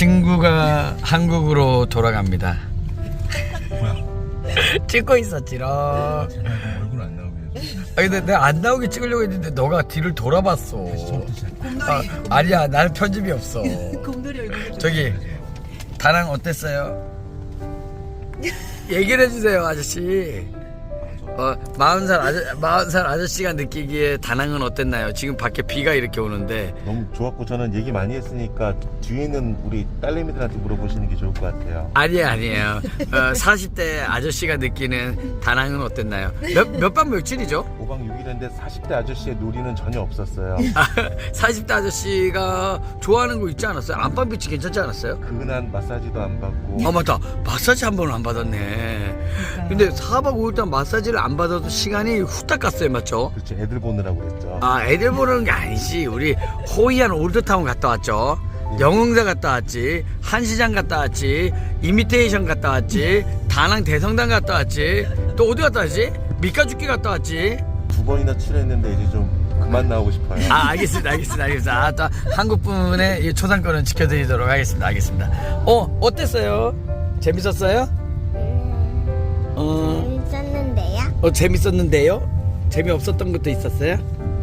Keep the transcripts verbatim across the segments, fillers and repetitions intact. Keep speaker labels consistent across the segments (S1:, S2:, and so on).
S1: 친구가 한국으로 돌아갑니다.
S2: 뭐야?
S1: 찍고 있었지롱.
S2: 제발 얼굴 안 나오게.
S1: 아니 근데 내가 안 나오게 찍으려고 했는데 너가 뒤를 돌아봤어. 아, 아니야 나는 편집이 없어.
S3: 곰돌이 얼굴
S1: 저기 다낭 어땠어요? 얘기를 해주세요 아저씨. 어, 마흔 살 아저 마흔 살 아저씨가 느끼기에 다낭은 어땠나요? 지금 밖에 비가 이렇게 오는데.
S4: 너무 좋았고 저는 얘기 많이 했으니까 뒤에 있는 우리 딸내미들한테 물어보시는 게 좋을 것 같아요.
S1: 아니에요 아니에요. 어, 사십 대 아저씨가 느끼는 다낭은 어땠나요? 몇 몇 밤 며칠이죠?
S4: 오 박 육 일인데 사십 대 아저씨의 놀이는 전혀 없었어요.
S1: 사십 대 아저씨가 좋아하는 거 있지 않았어요? 안방 비치 괜찮지 않았어요?
S4: 그 흔한 마사지도 안 받고.
S1: 아 맞다 마사지 한 번은 안 받았네. 근데 사 박 오 일 동안 마사지를 안 받아도 시간이 후딱 갔어요 맞죠?
S4: 그렇죠. 애들 보느라고 그랬죠.
S1: 아 애들 보는 게 아니지. 우리 호이안 올드타운 갔다 왔죠. 영흥사 갔다 왔지. 한시장 갔다 왔지. 이미테이션 갔다 왔지. 다낭 대성당 갔다 왔지. 또 어디 갔다 왔지? 미카주키 갔다 왔지.
S4: 두 번이나 출연했는데 이제 좀 그만 나오고 싶어요.
S1: 아 알겠습니다 알겠습니다 알겠습니다. 아, 또 한국 분의 이 초상권은 지켜드리도록 하겠습니다 알겠습니다. 어 어땠어요? 재밌었어요? 어,
S5: 재밌었는데요?
S1: 어 재밌었는데요? 재미없었던 것도 있었어요?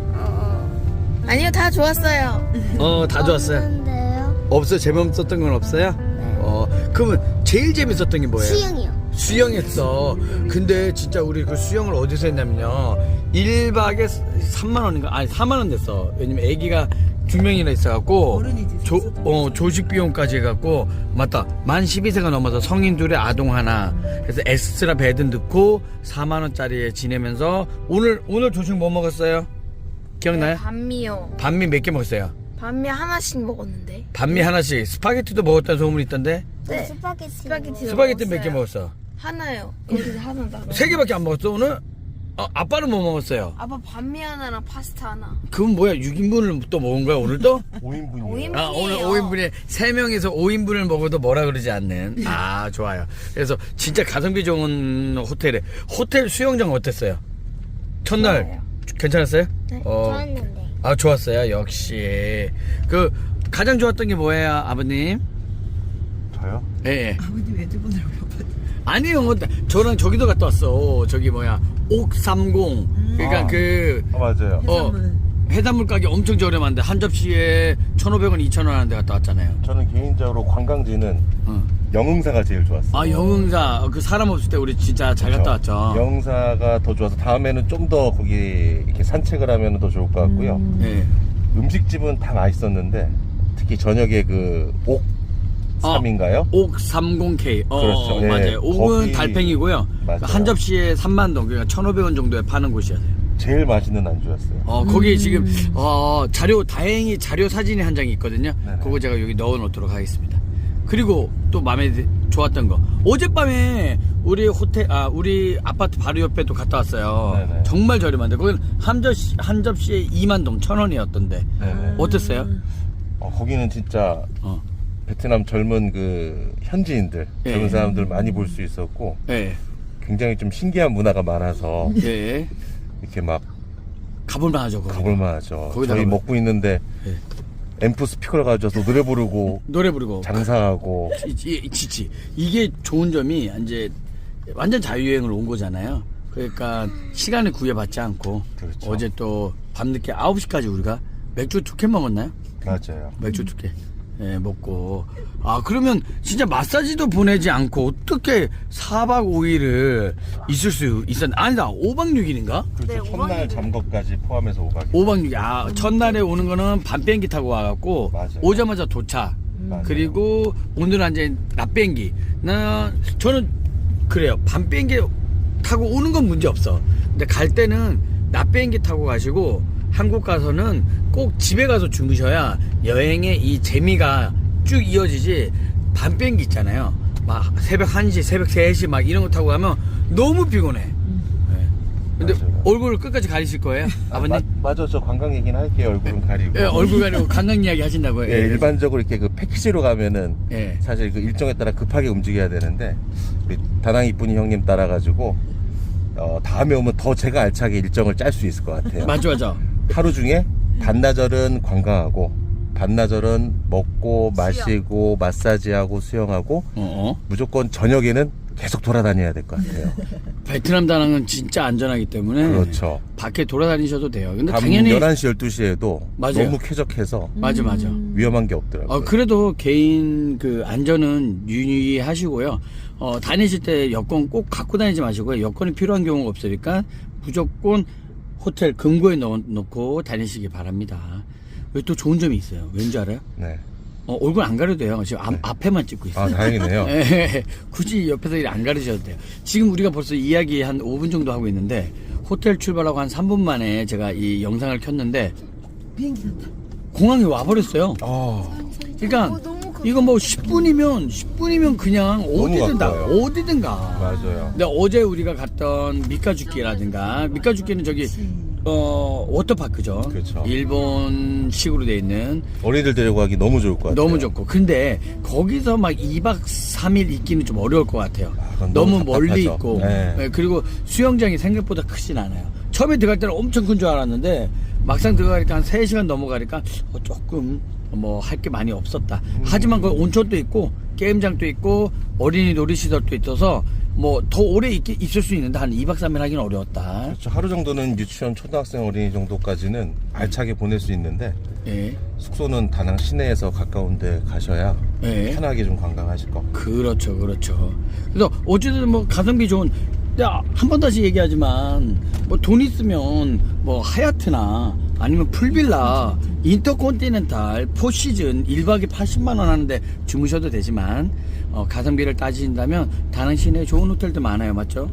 S5: 아니요, 다 좋았어요.
S1: 어 다 좋았어요.
S5: 없는데요?
S1: 없어요? 재미없었던 건 없어요? 어 그러면 제일 재밌었던 게 뭐예요?
S5: 수영이요.
S1: 수영했어. 근데 진짜 우리 그 수영을 어디서 했냐면요 일 박에 삼만 원인가 아니 사만 원 냈어. 왜냐면 애기가 두 명이나 있어갖고
S3: 어른이 이제
S1: 조,
S3: 있었던
S1: 어, 조식 비용까지 해갖고 맞다 만 십이 세가 넘어서 성인 둘에 아동 하나 그래서 엑스트라 베드 넣고 사만 원짜리에 지내면서 오늘 오늘 조식 뭐 먹었어요? 기억나요?
S5: 반미요.
S1: 반미 몇 개 먹었어요?
S5: 반미 하나씩 먹었는데.
S1: 반미 하나씩 스파게티도 먹었다는 소문이 있던데
S5: 네. 스파게티. 스파게티.
S1: 스파게티 몇 개 먹었어?
S5: 하나요. 여기서 하나 나.
S1: 세 개밖에 안 먹었어 오늘? 어, 아빠는 뭐 먹었어요?
S5: 아빠 반미 하나랑 파스타 하나.
S1: 그건 뭐야 육 인분을 또 먹은 거야 오늘 또?
S4: 오 인분이에요.
S5: 오 인분.
S1: 아 오늘 오 인분에 세 명에서 오 인분을 먹어도 뭐라 그러지 않는. 아 좋아요. 그래서 진짜 가성비 좋은 호텔에 호텔 수영장 어땠어요? 첫날
S5: 좋아요.
S1: 괜찮았어요?
S5: 네.
S1: 어,
S5: 좋았는데.
S1: 아 좋았어요 역시. 그 가장 좋았던 게 뭐예요 아버님?
S4: 저요?
S1: 예. 예.
S3: 아버님 애들 보느라고 바빴
S1: 아니요 저랑 저기도 갔다 왔어. 저기 뭐야 옥삼공. 그러니까
S4: 아.
S1: 그
S4: 아 맞아요.
S1: 어,
S3: 해산물.
S1: 해산물 가게 엄청 저렴한데 한 접시에 천오백 원, 이천 원 하는 데 갔다 왔잖아요.
S4: 저는 개인적으로 관광지는
S1: 어.
S4: 영흥사가 제일 좋았어요.
S1: 아 영흥사 그 사람 없을 때 우리 진짜 잘 갔다 왔죠.
S4: 영흥사가 더 좋아서 다음에는 좀 더 거기 이렇게 산책을 하면 더 좋을 것 같고요.
S3: 음.
S1: 예.
S4: 음식집은 다 맛있었는데 특히 저녁에 그 옥삼인가요?
S1: 옥삼공 케이. 어,
S4: 그렇죠.
S1: 어,
S4: 예.
S1: 맞아요. 옥은
S4: 거기-
S1: 달팽이고요.
S4: 맞아요.
S1: 한 접시에 삼만 동, 그러니까 천오백 원 정도에 파는 곳이었어요.
S4: 제일 맛있는 안주였어요.
S1: 어, 거기
S3: 음.
S1: 지금 어, 자료 다행히 자료 사진이 한 장이 있거든요.
S4: 네네.
S1: 그거 제가 여기 넣어 놓도록 하겠습니다. 그리고 또 마음에 드- 좋았던 거. 어젯밤에 우리 호텔 아 우리 아파트 바로 옆에 또 갔다 왔어요.
S4: 네네.
S1: 정말 저렴한데 거기는 한 접시 한 접시에 이만 동 천 원이었던데.
S4: 네네.
S1: 어땠어요?
S4: 어, 거기는 진짜
S1: 어.
S4: 베트남 젊은 그 현지인들,
S1: 예.
S4: 젊은 사람들 많이 볼 수 있었고
S1: 예.
S4: 굉장히 좀 신기한 문화가 많아서
S1: 예.
S4: 이렇게 막
S1: 가볼만 하죠. 거기.
S4: 가볼만 하죠.
S1: 거기다가
S4: 저희
S1: 뭐-
S4: 먹고 있는데
S1: 예.
S4: 앰프 스피커를 가져와서 노래 부르고
S1: 노래 부르고
S4: 장사하고
S1: 이, 이, 지치. 이게 좋은 점이 이제 완전 자유여행을 온 거잖아요. 그러니까 시간을 구애받지 않고
S4: 그렇죠.
S1: 어제 또 밤늦게 아홉 시까지 우리가 맥주 두 캔 먹었나요?
S4: 맞아요.
S1: 맥주 두 캔. 예, 먹고. 아, 그러면 진짜 마사지도 보내지 않고 어떻게 사 박 오 일을 있을 수 있었나? 아니다. 오 박 육 일인가?
S4: 그렇죠.
S5: 네,
S4: 첫날
S5: 오박이죠.
S4: 잠거까지 포함해서 오 박.
S1: 오 박 육 일. 아, 첫날에 오는 거는 밤 비행기 타고 와갖고
S4: 맞아요.
S1: 오자마자 도착.
S4: 맞아요.
S1: 그리고 오늘은 이제 낮 비행기. 나 저는 그래요. 밤 비행기 타고 오는 건 문제 없어. 근데 갈 때는 낮 비행기 타고 가시고 한국 가서는 꼭 집에 가서 주무셔야 여행의 이 재미가 쭉 이어지지. 밤 비행기 있잖아요. 막 새벽 한 시, 새벽 세 시 막 이런 거 타고 가면 너무 피곤해. 네. 근데
S4: 맞아요.
S1: 얼굴을 끝까지 가리실 거예요? 아버님?
S4: 마, 맞아, 저 관광 얘기는 할게요. 얼굴은 가리고.
S1: 예, 얼굴 가리고 관광 이야기 하신다고요?
S4: 예, 일반적으로 이렇게 그 패키지로 가면은
S1: 예.
S4: 사실 그 일정에 따라 급하게 움직여야 되는데 우리 다낭 이쁜이 형님 따라가지고 어, 다음에 오면 더 제가 알차게 일정을 짤 수 있을 것 같아요.
S1: 맞죠, 맞죠.
S4: 하루 중에 반나절은 관광하고 반나절은 먹고 마시고 마사지하고 수영하고
S1: 어, 어.
S4: 무조건 저녁에는 계속 돌아다녀야 될 것 같아요.
S1: 베트남 다낭은 진짜 안전하기 때문에
S4: 그렇죠.
S1: 밖에 돌아다니셔도 돼요. 근데
S4: 밤
S1: 당연히
S4: 열한 시, 열두 시에도
S1: 맞아요.
S4: 너무 쾌적해서
S1: 맞아 맞아.
S4: 위험한 게 없더라고요.
S1: 어, 그래도 개인 그 안전은 유의하시고요. 어, 다니실 때 여권 꼭 갖고 다니지 마시고요. 여권이 필요한 경우가 없으니까 무조건 호텔 금고에 넣어 놓고 다니시기 바랍니다. 여기 또 좋은 점이 있어요. 왠지 알아요?
S4: 네.
S1: 어, 얼굴 안 가려도 돼요. 지금 앞, 앞에만 찍고 있어요.
S4: 아, 다행이네요.
S1: 예, 굳이 옆에서 일 안 가르셔도 돼요. 지금 우리가 벌써 이야기 한 오 분 정도 하고 있는데 호텔 출발하고 한 삼 분 만에 제가 이 영상을 켰는데
S3: 비행기 탔다.
S1: 공항에 와버렸어요.
S4: 아,
S1: 그러니까
S5: 어, 너무 가-
S1: 이거 뭐 십 분이면 십 분이면 그냥 어디든 다
S4: 가까워요.
S1: 어디든 가.
S4: 맞아요.
S1: 근데 어제 우리가 갔던 미카주키라든가 미카주키는 저기 어 워터파크죠.
S4: 그렇죠.
S1: 일본식으로 돼 있는
S4: 어린이들 데리고 가기 너무 좋을 것 같아요.
S1: 너무 좋고 근데 거기서 막 이 박 삼 일 있기는 좀 어려울 것 같아요.
S4: 그건
S1: 너무
S4: 너무
S1: 멀리
S4: 답답하죠.
S1: 있고
S4: 네.
S1: 네, 그리고 수영장이 생각보다 크진 않아요. 처음에 들어갈 때는 엄청 큰 줄 알았는데 막상 들어가니까 한 세 시간 넘어가니까 어, 조금 뭐 할 게 많이 없었다.
S4: 음.
S1: 하지만 거기 온천도 있고 게임장도 있고 어린이 놀이시설도 있어서 뭐 더 오래 있, 있을 수 있는데 한 이 박 삼 일 하기는 어려웠다.
S4: 그렇죠. 하루 정도는 유치원, 초등학생, 어린이 정도까지는 알차게 보낼 수 있는데
S1: 예.
S4: 숙소는 다낭 시내에서 가까운 데 가셔야
S1: 예.
S4: 편하게 좀 관광하실 것 같아요.
S1: 그렇죠, 그렇죠. 그래서 어쨌든 뭐 가성비 좋은, 한 번 다시 얘기하지만 뭐 돈 있으면 뭐 하얏트나 아니면 풀빌라, 인터콘티넨탈, 포시즌 일 박에 팔십만 원 하는데 주무셔도 되지만 어, 가성비를 따지신다면 다낭 시내에 좋은 호텔도 많아요, 맞죠?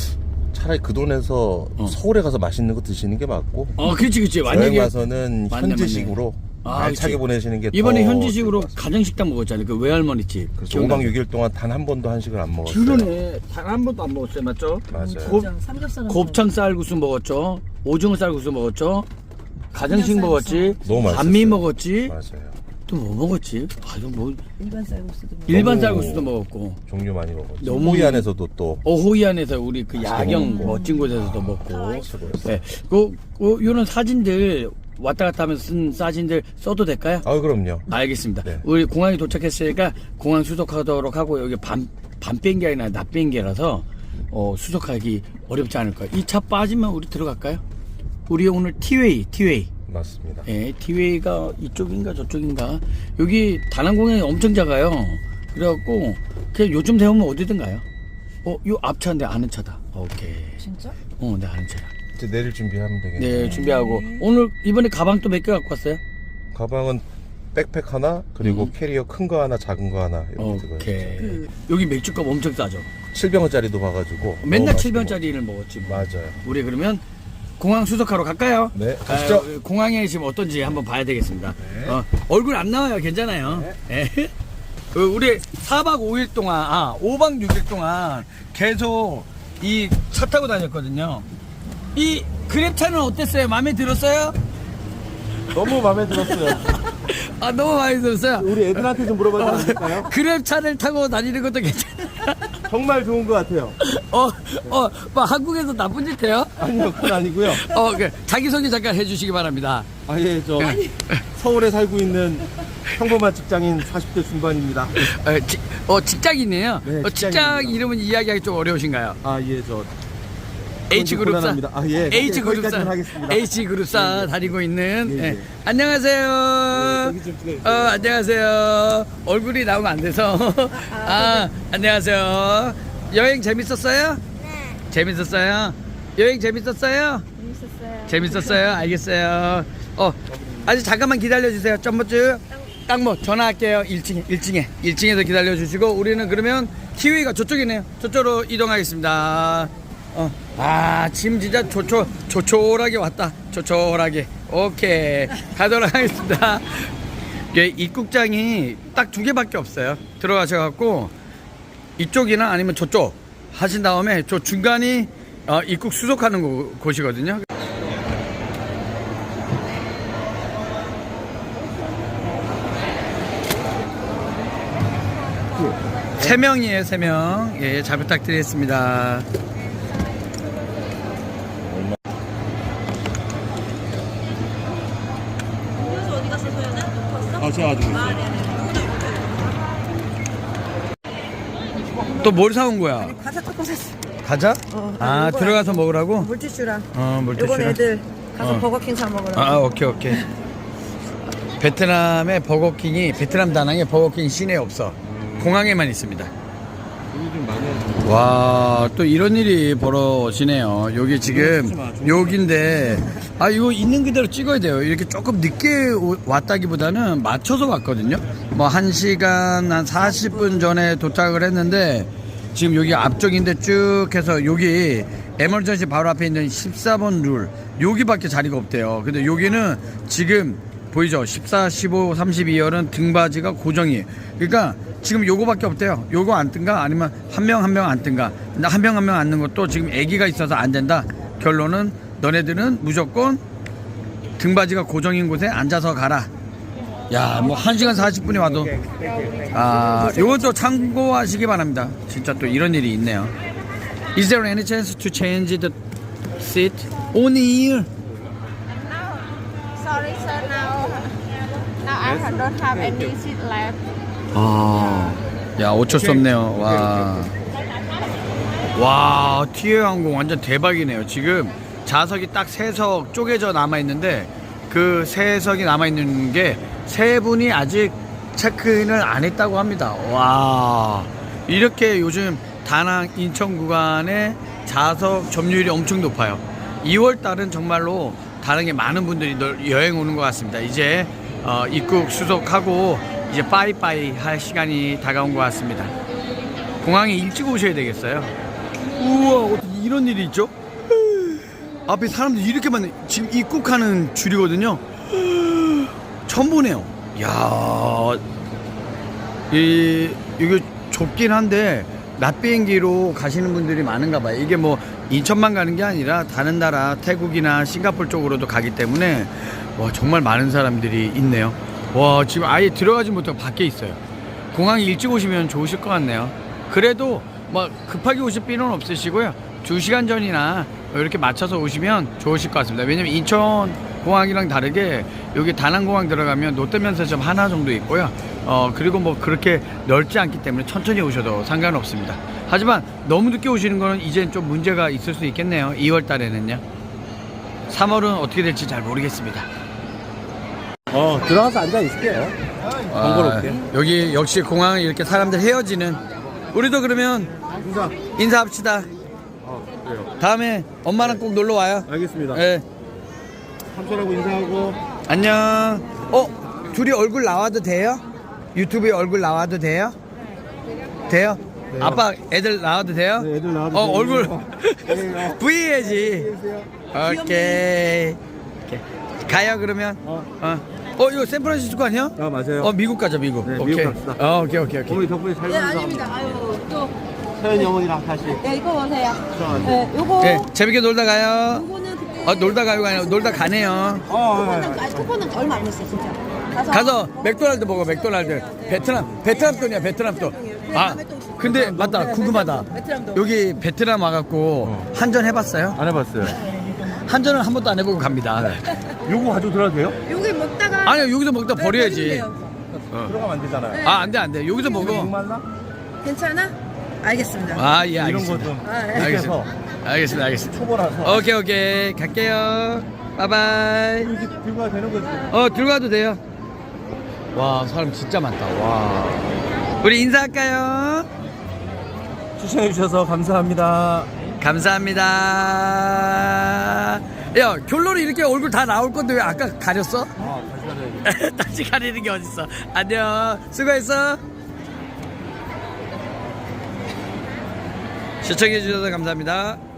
S4: 차라리 그 돈에서
S1: 어.
S4: 서울에 가서 맛있는 거 드시는 게 맞고
S1: 어, 그렇지, 그렇지.
S4: 여행
S1: 만약에
S4: 가서는
S1: 맞네,
S4: 현지식으로
S1: 아,
S4: 알차게
S1: 그치.
S4: 보내시는 게
S1: 이번에
S4: 더
S1: 현지식으로
S4: 좋을 것 같습니다.
S1: 가정식당 먹었잖아요. 그 외할머니 집.
S4: 그래서 오 박 육 일 동안 단 한 번도 한식을 안 먹었어요.
S1: 그러네. 단 한 번도 안 먹었어요, 맞죠?
S4: 맞아요.
S1: 곱-
S3: 곱창, 삼겹살.
S1: 곱창 쌀국수 먹었죠. 오징어 쌀국수 먹었죠. 가정식
S3: 그냥
S1: 먹었지.
S4: 너무 맛있었어요.
S1: 반미 먹었지.
S4: 맞아요.
S1: 또 뭐 먹었지? 아, 이거 뭐
S3: 일반 쌀국수도 먹고.
S1: 일반
S4: 너무-
S1: 쌀국수도 먹었고.
S4: 종류 많이 먹었죠.
S1: 너무-
S4: 호이 안에서도 또
S1: 어호이안에서 우리 그 야경
S4: 먹고.
S1: 멋진 곳에서도 먹고.
S4: 최고였어요.
S1: 네. 그, 그 요런 사진들 왔다 갔다 하면서 쓴 사진들 써도 될까요?
S4: 아, 그럼요.
S1: 알겠습니다.
S4: 네.
S1: 우리 공항에 도착했으니까 공항 수속하도록 하고 여기 밤, 밤 비행기 아니라 낮 비행기라서 어, 수속하기 어렵지 않을 거예요. 이 차 빠지면 우리 들어갈까요? 우리 오늘 티웨이, 티웨이.
S4: 맞습니다.
S1: 예, 티웨이가 이쪽인가 저쪽인가. 여기 다낭공항이 엄청 작아요. 그래갖고 그냥 요즘 되면 어디든 가요. 어, 요 앞차인데 아는 차다. 오케이.
S3: 진짜?
S1: 어, 네, 아는 차야.
S4: 이제 내릴 준비하면 되겠네요.
S1: 네, 준비하고 오늘 이번에 가방 또 몇 개 갖고 왔어요?
S4: 가방은 백팩 하나, 그리고
S1: 음.
S4: 캐리어 큰 거 하나, 작은 거 하나 이렇게 들어요.
S1: 오케이.
S3: 그-
S1: 여기 맥주값 엄청 싸죠.
S4: 칠 병짜리도 봐가지고
S1: 맨날
S4: 너무
S1: 칠
S4: 맛있고.
S1: 병짜리를 먹었지. 뭐.
S4: 맞아요.
S1: 우리 그러면 공항 수속하러 갈까요?
S4: 네, 가시죠.
S1: 아, 공항에 지금 어떤지 한번 봐야 되겠습니다. 어, 얼굴 안 나와요. 괜찮아요. 네. 그 우리 사 박 오 일 동안, 아, 오 박 육 일 동안 계속 이 차 타고 다녔거든요. 이 그랩차는 어땠어요? 마음에 들었어요?
S6: 너무 마음에 들었어요.
S1: 아, 너무 마음에 들었어요.
S6: 우리 애들한테 좀 물어봐도 안 될까요?
S1: 그랩차를 타고 다니는 것도 괜찮아요.
S6: 정말 좋은 것 같아요.
S1: 어, 어, 뭐 한국에서 나쁜 짓 해요?
S6: 아니요, 그건 아니고요.
S1: 어, 그 자기소개 잠깐 해주시기 바랍니다.
S6: 아, 예, 저 서울에 살고 있는 평범한 직장인 사십 대 중반입니다.
S1: 어, 지, 어 직장이네요.
S6: 네,
S1: 어, 직장
S6: 직장인입니다.
S1: 이름은 이야기하기 좀 어려우신가요?
S6: 아, 예, 저
S1: H 그룹사.
S6: 곤란합니다. 아, 예.
S1: H 그룹사.
S6: 거기까지만 하겠습니다.
S1: H 그룹사 다니고 있는.
S6: 예,
S1: 예.
S6: 예.
S1: 안녕하세요.
S6: 예, 여기 좀 찍어주세요.
S1: 어, 안녕하세요. 얼굴이 나오면 안 돼서. 아, 안녕하세요. 여행 재밌었어요?
S5: 네.
S1: 재밌었어요? 여행 재밌었어요?
S5: 재밌었어요.
S1: 재밌었어요? 알겠어요. 어, 아직 잠깐만 기다려주세요. 점머즈. 땅모 전화할게요. 일 층에, 일 층에. 일 층에서 기다려주시고, 우리는 그러면 티웨이가 저쪽이네요. 저쪽으로 이동하겠습니다. 어, 아, 지금 진짜 조촐, 조촐하게 왔다. 조촐하게. 오케이. 가도록 하겠습니다. 예, 입국장이 딱 두 개밖에 없어요. 들어가셔갖고, 이쪽이나 아니면 저쪽 하신 다음에 저 중간이 어, 입국 수속하는 곳, 곳이거든요. 세 명이에요, 세 명. 예, 잘 부탁드리겠습니다.
S3: 그래서 어디 갔어, 소연아? 높았어?
S6: 어, 제가 가지고 있어요.
S1: 또 뭘 사온 거야?
S3: 과자 조금 샀어.
S1: 가자?
S3: 어,
S1: 아,
S3: 이거
S1: 들어가서 먹으라고?
S3: 물티슈랑.
S1: 어,
S3: 요건
S1: 물티슈랑.
S3: 애들 가서
S1: 어.
S3: 버거킹 사 먹으라고.
S1: 아, 오케이, 오케이. 베트남의 버거킹이, 베트남 다낭에 버거킹 시내에 없어. 공항에만 있습니다.
S6: 여기 좀 많이 하죠.
S1: 와, 또 이런 일이 벌어지네요. 여기 지금, 여기인데, 아, 이거 있는 그대로 찍어야 돼요. 이렇게 조금 늦게 오- 왔다기보다는 맞춰서 왔거든요. 뭐, 한 시간, 한 사십 분 전에 도착을 했는데, 지금 여기 앞쪽인데 쭉 해서 여기 에머전시 바로 앞에 있는 십사 번 룰, 여기밖에 자리가 없대요. 근데 여기는 지금 보이죠? 십사, 십오, 삼십이열은 등받이가 고정이에요. 그러니까 지금 요거밖에 없대요. 요거 안 뜬가? 아니면 한 명 한 명 안 뜬가? 근데 한 명 한 명 앉는 것도 지금 애기가 있어서 안 된다. 결론은 너네들은 무조건 등받이가 고정인 곳에 앉아서 가라. 야, 뭐 한 시간 사십 분이 와도 아, 요것도 참고하시기 바랍니다. 진짜 또 이런 일이 있네요. Is there any chance to change the seat? Only here.
S7: Sorry, sir. Now, now I have- don't have any seat left.
S1: 아, 야, 어쩔 수 없네요. 와. 와, 티웨이 항공 완전 대박이네요. 지금 좌석이 딱 세 석 쪼개져 남아있는데 그 세 석이 남아있는 게 세 분이 아직 체크인을 안 했다고 합니다. 와, 이렇게 요즘 다낭 인천 구간의 좌석 점유율이 엄청 높아요. 이월 달은 정말로 다낭에 많은 분들이 널- 여행 오는 것 같습니다. 이제 어, 입국 수속하고 이제 빠이빠이 할 시간이 다가온 것 같습니다. 공항에 일찍 오셔야 되겠어요. 우와, 어떻게 이런 일이 있죠? 앞에 사람들이 이렇게 많네. 지금 입국하는 줄이거든요. 처음 보네요. 이야, 이, 이거 좁긴 한데 낮 비행기로 가시는 분들이 많은가 봐요. 이게 뭐 인천만 가는 게 아니라 다른 나라 태국이나 싱가포르 쪽으로도 가기 때문에 와, 정말 많은 사람들이 있네요. 와, 지금 아예 들어가지 못하고 밖에 있어요. 공항에 일찍 오시면 좋으실 것 같네요. 그래도 뭐 급하게 오실 필요는 없으시고요. 두 시간 전이나 이렇게 맞춰서 오시면 좋으실 것 같습니다. 왜냐면 인천 공항이랑 다르게 여기 다낭공항 들어가면 롯데면세점 하나 정도 있고요. 어, 그리고 뭐 그렇게 넓지 않기 때문에 천천히 오셔도 상관없습니다. 하지만 너무 늦게 오시는 거는 이젠 좀 문제가 있을 수 있겠네요. 이월 달에는요. 삼월은 어떻게 될지 잘 모르겠습니다.
S6: 어, 들어가서 앉아 있을게요. 번거롭게.
S1: 아, 여기 역시 공항 이렇게 사람들 헤어지는, 우리도 그러면
S6: 인사.
S1: 인사합시다.
S6: 어, 그래요.
S1: 다음에 엄마랑 꼭 놀러 와요.
S6: 알겠습니다.
S1: 예.
S6: 삼촌하고 인사하고.
S1: 안녕. 어, 둘이 얼굴 나와도 돼요? 유튜브에 얼굴 나와도 돼요? 돼요?
S6: 돼요.
S1: 아빠 애들 나와도 돼요?
S6: 네, 애들 나와도
S1: 어,
S6: 돼요.
S1: 얼굴
S6: 네,
S1: V 해야지. 오케이. 오케이. 가요 그러면.
S6: 어.
S1: 어. 어, 이거 샌프란시스코 아니야?
S6: 아, 맞아요.
S1: 어, 미국 가자, 미국.
S6: 네,
S1: 오케이.
S6: 미국 갑시다.
S1: 어, 오케이, 오케이, 오케이.
S6: 어머니 덕분에 잘
S3: 네,
S6: 놀아서
S3: 아닙니다. 아유, 또.
S6: 서현이 어머니랑 다시.
S3: 네, 이거 보세요.
S6: 들어가세요.
S3: 네, 요거.
S1: 네, 재밌게 놀다 가요.
S3: 요거는 그때.
S1: 어, 놀다 가요, 아니라 놀다 가네요.
S6: 어, 어,
S3: 쿠폰은, 아니, 쿠폰은 얼마 안 했어요, 진짜. 가서.
S1: 가서 맥도날드 먹어, 맥도날드. 베트남, 베트남 돈이야, 베트남 돈. 아, 근데 맞다, 궁금하다.
S3: 베트남도.
S1: 여기 베트남 와갖고 한전 해봤어요?
S6: 안 해봤어요.
S1: 한전은 한 번도 안 해보고 갑니다.
S6: 요거 가지고 들어가도 돼요?
S3: 요게 먹다가.
S1: 아니요, 여기서 먹다
S3: 네,
S1: 버려야지.
S3: 버리면
S6: 들어가면 안 되잖아요.
S1: 아, 안 돼, 안 돼. 여기서 먹어.
S6: 목말라?
S3: 돼요. 괜찮아? 알겠습니다.
S1: 아, 예,
S6: 이런 거
S1: 알겠습니다.
S6: 좀.
S3: 아, 예.
S1: 알겠습니다. 알겠습니다, 알겠습니다.
S6: 초보라서.
S1: 오케이, 오케이. 갈게요. 바이바이.
S6: 이렇게 들고 가도 되는 거지.
S1: 어, 들어가도 돼요. 와, 사람 진짜 많다. 와. 우리 인사할까요?
S6: 추천해주셔서 감사합니다.
S1: 감사합니다. 야, 결론이 이렇게 얼굴 다 나올 건데 왜 아까 가렸어?
S6: 아, 다시 가야지.
S1: 다시 가리는 게 어딨어. 안녕. 수고했어. 시청해주셔서 감사합니다.